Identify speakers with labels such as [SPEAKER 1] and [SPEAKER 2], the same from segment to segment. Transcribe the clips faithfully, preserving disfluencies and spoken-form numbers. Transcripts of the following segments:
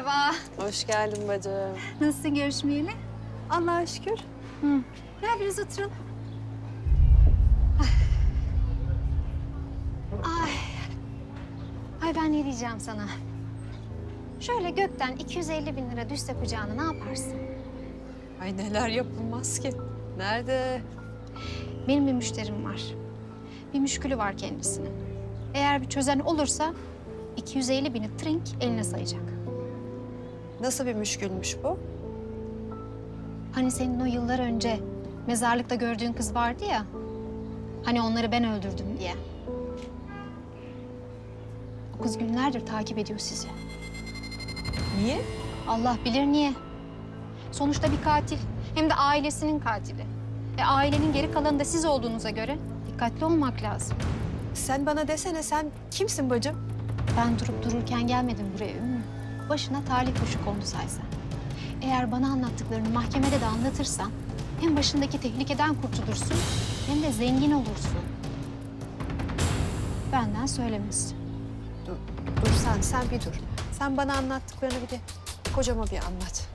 [SPEAKER 1] Merhaba.
[SPEAKER 2] Hoş geldin bacım.
[SPEAKER 1] Nasılsın görüşmeyeli?
[SPEAKER 2] Allah'a şükür.
[SPEAKER 1] Hı. Gel biraz oturalım. Ay. Ay ben ne diyeceğim sana? Şöyle gökten iki yüz elli bin lira düşse kucağına ne yaparsın?
[SPEAKER 2] Ay neler yapılmaz ki. Nerede?
[SPEAKER 1] Benim bir müşterim var. Bir müşkülü var kendisinin. Eğer bir çözen olursa iki yüz elli bini trink eline sayacak.
[SPEAKER 2] Nasıl bir müşkülmüş bu?
[SPEAKER 1] Hani senin o yıllar önce mezarlıkta gördüğün kız vardı ya. Hani onları ben öldürdüm diye. O kız günlerdir takip ediyor sizi.
[SPEAKER 2] Niye?
[SPEAKER 1] Allah bilir niye. Sonuçta bir katil. Hem de ailesinin katili. E ailenin geri kalanı da siz olduğunuza göre dikkatli olmak lazım.
[SPEAKER 2] Sen bana desene, sen kimsin bacım?
[SPEAKER 1] Ben durup dururken gelmedim buraya Ümmü. Başına talih kuşu kondu saysan. Eğer bana anlattıklarını mahkemede de anlatırsan hem başındaki tehlikeden kurtulursun hem de zengin olursun. Benden söylemesi.
[SPEAKER 2] Dur, dur sen, sen bir dur. Sen bana anlattıklarını bir de kocama bir anlat.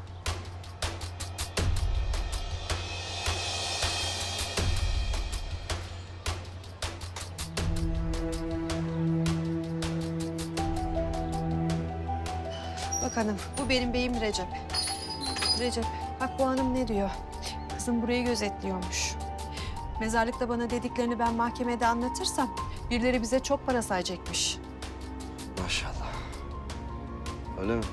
[SPEAKER 2] Bak hanım, bu benim beyim Recep. Recep, bak bu hanım ne diyor? Kızım burayı gözetliyormuş. Mezarlıkta bana dediklerini ben mahkemede anlatırsam birileri bize çok para sayacakmış.
[SPEAKER 3] Maşallah. Öyle mi?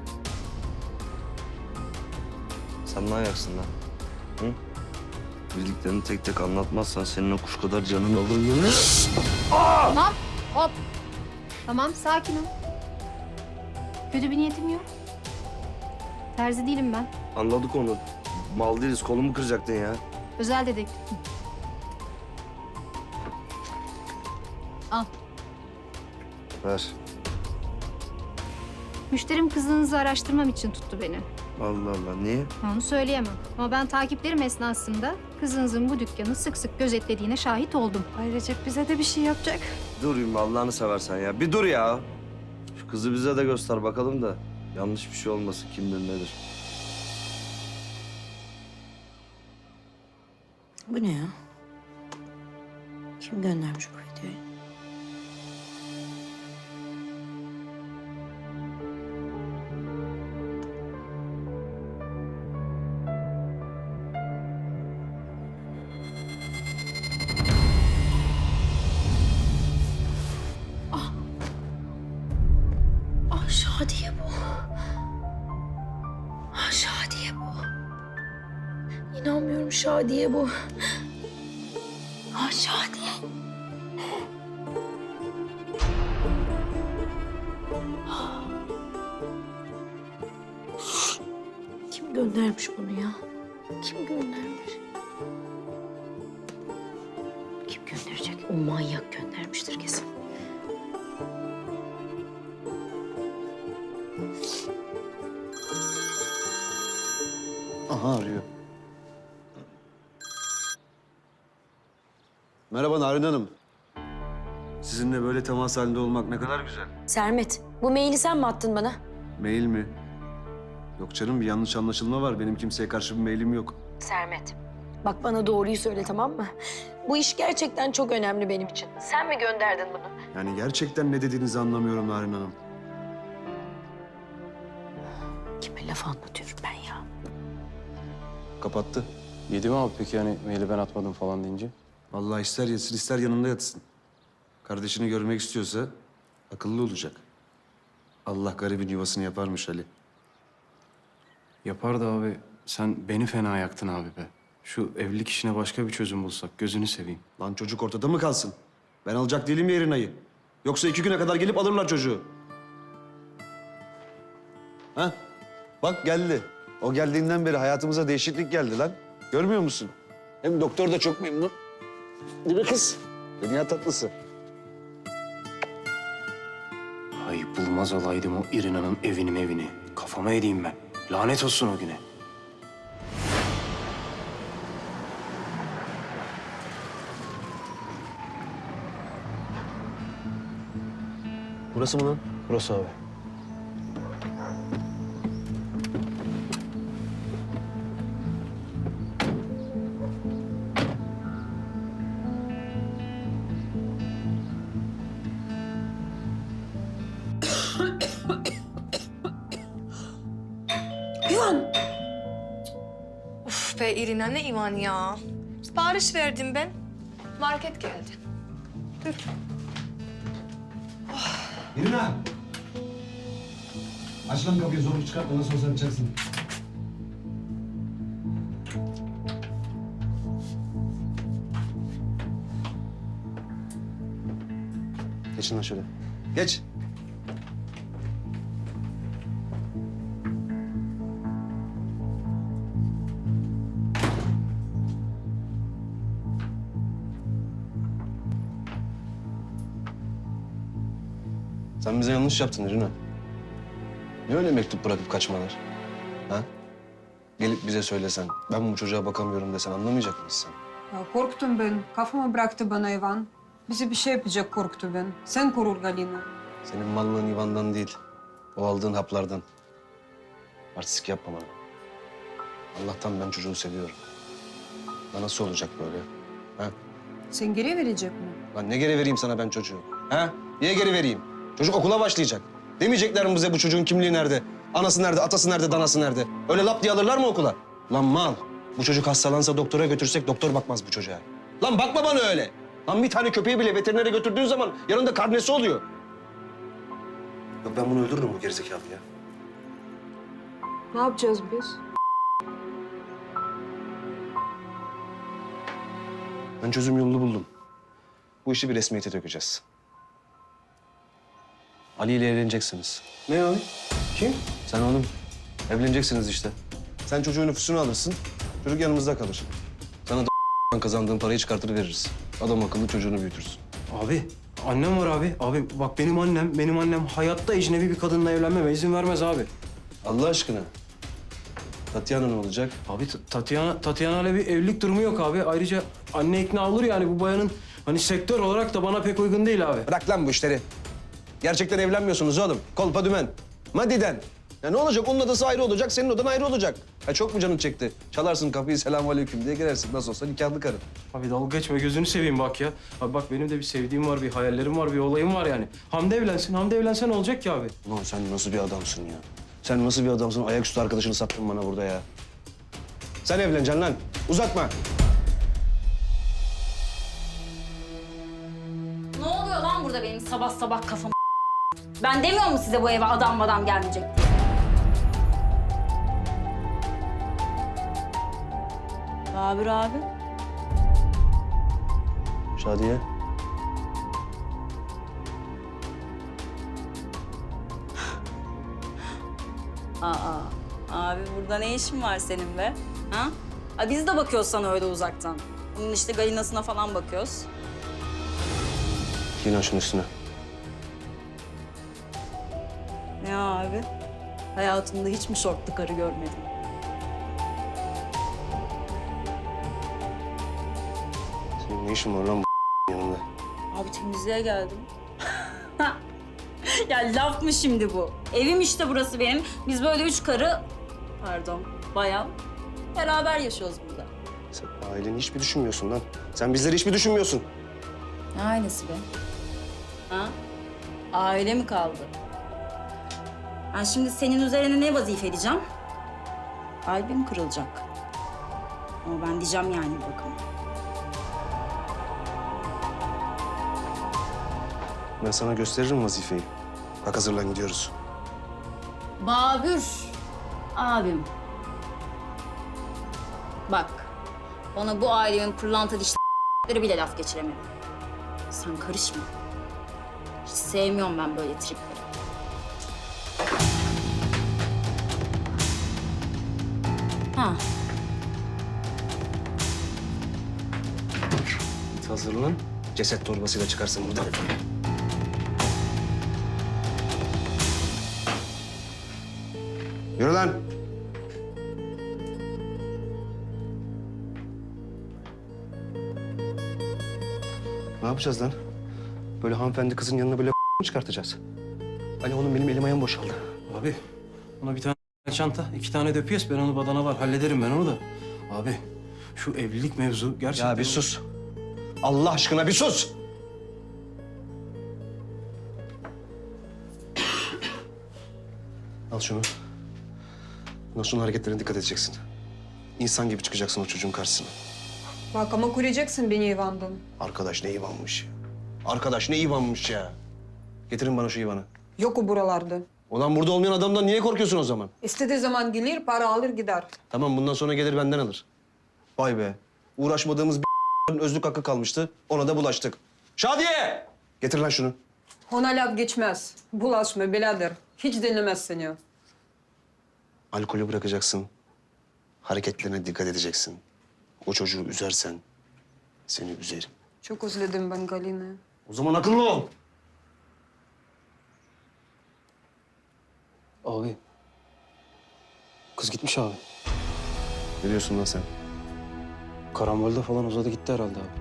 [SPEAKER 3] Sen ne ayaksın lan? Hı? Bildiklerini tek tek anlatmazsan senin o kuş kadar canın alır.
[SPEAKER 1] Tamam, hop. Tamam, sakin ol. Kötü bir niyetim yok. Terzi değilim ben.
[SPEAKER 3] Anladık onu. Mal değiliz, kolumu kıracaktın ya.
[SPEAKER 1] Özel dedektifim. Al.
[SPEAKER 3] Ver.
[SPEAKER 1] Müşterim kızınızı araştırmam için tuttu beni.
[SPEAKER 3] Allah Allah, niye?
[SPEAKER 1] Onu söyleyemem. Ama ben takiplerim esnasında kızınızın bu dükkanı sık sık gözetlediğine şahit oldum.
[SPEAKER 2] Ay Recep bize de bir şey yapacak.
[SPEAKER 3] Dur Ümmü, Allah'ını seversen ya. Bir dur ya. Şu kızı bize de göster bakalım da. Yanlış bir şey olmasın, kimdir nedir?
[SPEAKER 4] Bu ne ya? Kim göndermiş bu videoyu? Ah! Ah Şadiye bu. Ah Şadiye bu. İnanmıyorum Şadiye bu. Ah Şadiye. Kim göndermiş bunu ya? Kim göndermiş? Kim gönderecek? O manyak göndermiştir kesin.
[SPEAKER 5] Aha arıyor. Merhaba Narin Hanım. Sizinle böyle temas halinde olmak ne kadar güzel.
[SPEAKER 4] Sermet, bu maili sen mi attın bana?
[SPEAKER 5] Mail mi? Yok canım, bir yanlış anlaşılma var. Benim kimseye karşı bir mailim yok.
[SPEAKER 4] Sermet, bak bana doğruyu söyle tamam mı? Bu iş gerçekten çok önemli benim için. Sen mi gönderdin bunu?
[SPEAKER 5] Yani gerçekten ne dediğinizi anlamıyorum Narin Hanım.
[SPEAKER 4] Kime laf anlatıyorum ben ya?
[SPEAKER 5] Kapattı.
[SPEAKER 6] Yedi mi abi peki yani maili ben atmadım falan deyince?
[SPEAKER 5] Vallahi ister yesin ister yanında yatsın. Kardeşini görmek istiyorsa akıllı olacak. Allah garibin yuvasını yaparmış Ali.
[SPEAKER 6] Yapar da abi sen beni fena yaktın abi be. Şu evlilik işine başka bir çözüm bulsak gözünü seveyim.
[SPEAKER 5] Lan çocuk ortada mı kalsın? Ben alacak değilim ya Erina'yı. Yoksa iki güne kadar gelip alırlar çocuğu. Ha? Bak geldi. O geldiğinden beri hayatımıza değişiklik geldi lan. Görmüyor musun? Hem doktor da çok memnun. Değil mi kız? Dünya tatlısı.
[SPEAKER 6] Ay bulmaz olaydım o İrina'nın evini evini. Kafama edeyim ben. Lanet olsun o güne.
[SPEAKER 7] Burası mı lan?
[SPEAKER 6] Burası abi.
[SPEAKER 4] İvan!
[SPEAKER 7] Uf be İrina ne İvan ya. Sipariş verdim ben. Market geldi.
[SPEAKER 5] İrina! Aç lan kapıyı, zorluk çıkart. Ondan sonra sen içersin. Geçin lan şöyle. Geç. Sen bize yanlış yaptın İrina. Ne öyle mektup bırakıp kaçmalar? Ha? Gelip bize söylesen, ben bu çocuğa bakamıyorum desen anlamayacak mıyız sen?
[SPEAKER 8] Ya korktum ben. Kafamı bıraktı bana Ivan. Bize bir şey yapacak korktu ben. Sen korur Galina.
[SPEAKER 3] Senin mallığın Ivan'dan değil, o aldığın haplardan. Artistik yapma bana. Allah'tan ben çocuğu seviyorum. Ya nasıl olacak böyle? Ha?
[SPEAKER 8] Sen geri verecek mi?
[SPEAKER 3] Lan ne geri vereyim sana ben çocuğu? Ha? Niye geri vereyim? Çocuk okula başlayacak. Demeyecekler mi bize bu çocuğun kimliği nerede? Anası nerede, atası nerede, danası nerede? Öyle lap diye alırlar mı okula? Lan mal, bu çocuk hastalansa doktora götürsek doktor bakmaz bu çocuğa. Lan bakma bana öyle. Lan bir tane köpeği bile veterinere götürdüğün zaman yanında karnesi oluyor. Yok ben bunu öldürürüm bu gerizekalı ya.
[SPEAKER 8] Ne yapacağız biz?
[SPEAKER 3] Ben çözüm yolunu buldum. Bu işi bir resmiyete dökeceğiz. Ali ile evleneceksiniz.
[SPEAKER 6] Ne o? Kim?
[SPEAKER 3] Sen oğlum. Evleneceksiniz işte. Sen çocuğun nüfusunu alırsın, çocuk yanımızda kalır. Sana da kazandığın parayı çıkartır veririz. Adam akıllı çocuğunu büyütürsün.
[SPEAKER 6] Abi, annem var abi. Abi bak benim annem, benim annem hayatta ecnebi bir kadınla evlenmeme izin vermez abi.
[SPEAKER 3] Allah aşkına. Tatyana ne olacak?
[SPEAKER 6] Abi T- Tatyana, Tatyana ile bir evlilik durumu yok abi. Ayrıca anne ikna olur yani bu bayanın hani sektör olarak da bana pek uygun değil abi.
[SPEAKER 3] Bırak lan bu işleri. Gerçekten evlenmiyorsunuz oğlum. Kolpa dümen. Madiden. Ya ne olacak? Onun odası ayrı olacak, senin odan ayrı olacak. Ha çok mu canın çekti? Çalarsın kapıyı, selamünaleyküm diye girersin. Nasıl olsa nikahlı karın.
[SPEAKER 6] Abi dalga geçme gözünü seveyim bak ya. Abi bak benim de bir sevdiğim var, bir hayallerim var, bir olayım var yani. Hamdi evlensin, Hamdi evlense ne olacak ki abi?
[SPEAKER 3] Ulan sen nasıl bir adamsın ya? Sen nasıl bir adamsın? Ayaküstü arkadaşını sattın bana burada ya. Sen evleneceksin lan. Uzatma.
[SPEAKER 9] Ne oluyor lan burada benim sabah sabah kafam? Ben demiyor mu size bu eve adam adam gelmeyecek diye? Babür abi.
[SPEAKER 3] Şadiye.
[SPEAKER 9] Aa, abi burada ne işin var senin be? Ha? Aa, biz de bakıyoruz sana öyle uzaktan. Bunun işte galinasına falan bakıyoruz.
[SPEAKER 3] Giyin şunun üstüne.
[SPEAKER 9] Ne abi? Hayatımda hiç mi şortlu karı görmedim?
[SPEAKER 3] Senin ne işin var lan bu yanında?
[SPEAKER 9] Abi temizliğe geldim. Ya laf mı şimdi bu? Evim işte burası benim. Biz böyle üç karı, pardon bayan, beraber yaşıyoruz burada.
[SPEAKER 3] Sen aileni hiç mi düşünmüyorsun lan? Sen bizleri hiç mi düşünmüyorsun?
[SPEAKER 9] Ne ailesi be? Ha? Aile mi kaldı? Ben şimdi senin üzerine ne vazife edeceğim? Kalbim kırılacak. Ama ben diyeceğim yani bir bakıma.
[SPEAKER 3] Ben sana gösteririm vazifeyi. Bak hazırlan gidiyoruz.
[SPEAKER 9] Babür, abim. Bak, bana bu ailenin pırlanta dişleri bile laf geçiremedi. Sen karışma. Hiç sevmiyorum ben böyle tripleri. Ha,
[SPEAKER 3] Git hazırlan. Ceset torbasıyla çıkarsın buradan. Yürü lan. Ne yapacağız lan? Böyle hanımefendi kızın yanına böyle mı çıkartacağız? Ali onun benim elim ayağım boşaldı.
[SPEAKER 6] Abi ona bir tane çanta, iki tane de piyes. Ben onu badana var. Hallederim ben onu da. Abi şu evlilik mevzu gerçekten...
[SPEAKER 3] Ya bir sus. Allah aşkına bir sus. Al şunu. Bundan sonra hareketlerine dikkat edeceksin. İnsan gibi çıkacaksın o çocuğun karşısına.
[SPEAKER 8] Bak ama koruyacaksın beni Ivan'dan.
[SPEAKER 3] Arkadaş ne Ivan'mış ya. Arkadaş ne Ivan'mış ya. Getirin bana şu Ivan'ı.
[SPEAKER 8] Yok o buralarda.
[SPEAKER 3] Ulan burada olmayan adamdan niye korkuyorsun o zaman?
[SPEAKER 8] İstediği zaman gelir, para alır gider.
[SPEAKER 3] Tamam bundan sonra gelir benden alır. Vay be. Uğraşmadığımız bir özlük hakkı kalmıştı. Ona da bulaştık. Şadiye! Getir lan şunu.
[SPEAKER 8] Ona laf geçmez. Bulaşma birader. Hiç dinlemez seni.
[SPEAKER 3] Alkolü bırakacaksın. Hareketlerine dikkat edeceksin. O çocuğu üzersen seni üzerim.
[SPEAKER 8] Çok özledim ben Galina'yı.
[SPEAKER 3] O zaman akıllı ol.
[SPEAKER 6] Abi. Kız gitmiş abi.
[SPEAKER 3] Ne diyorsun lan sen?
[SPEAKER 6] Karambolde falan uzadı gitti herhalde abi.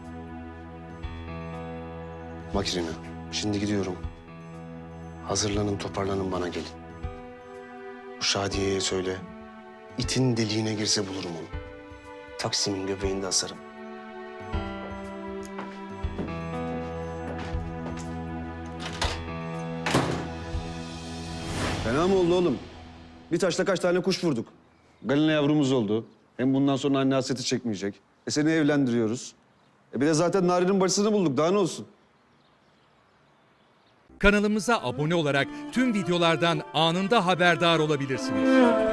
[SPEAKER 3] Bak İrina, şimdi gidiyorum. Hazırlanın, toparlanın bana gelin. Bu Şadiye'ye söyle. İtin deliğine girse bulurum onu. Taksim'in göbeğinde asarım. Fena mı oldu oğlum? Bir taşla kaç tane kuş vurduk. Galina yavrumuz oldu. Hem bundan sonra anne hasreti çekmeyecek. E seni evlendiriyoruz. E bir de zaten Nari'nin bacısını bulduk. Daha ne olsun?
[SPEAKER 10] Kanalımıza abone olarak tüm videolardan anında haberdar olabilirsiniz.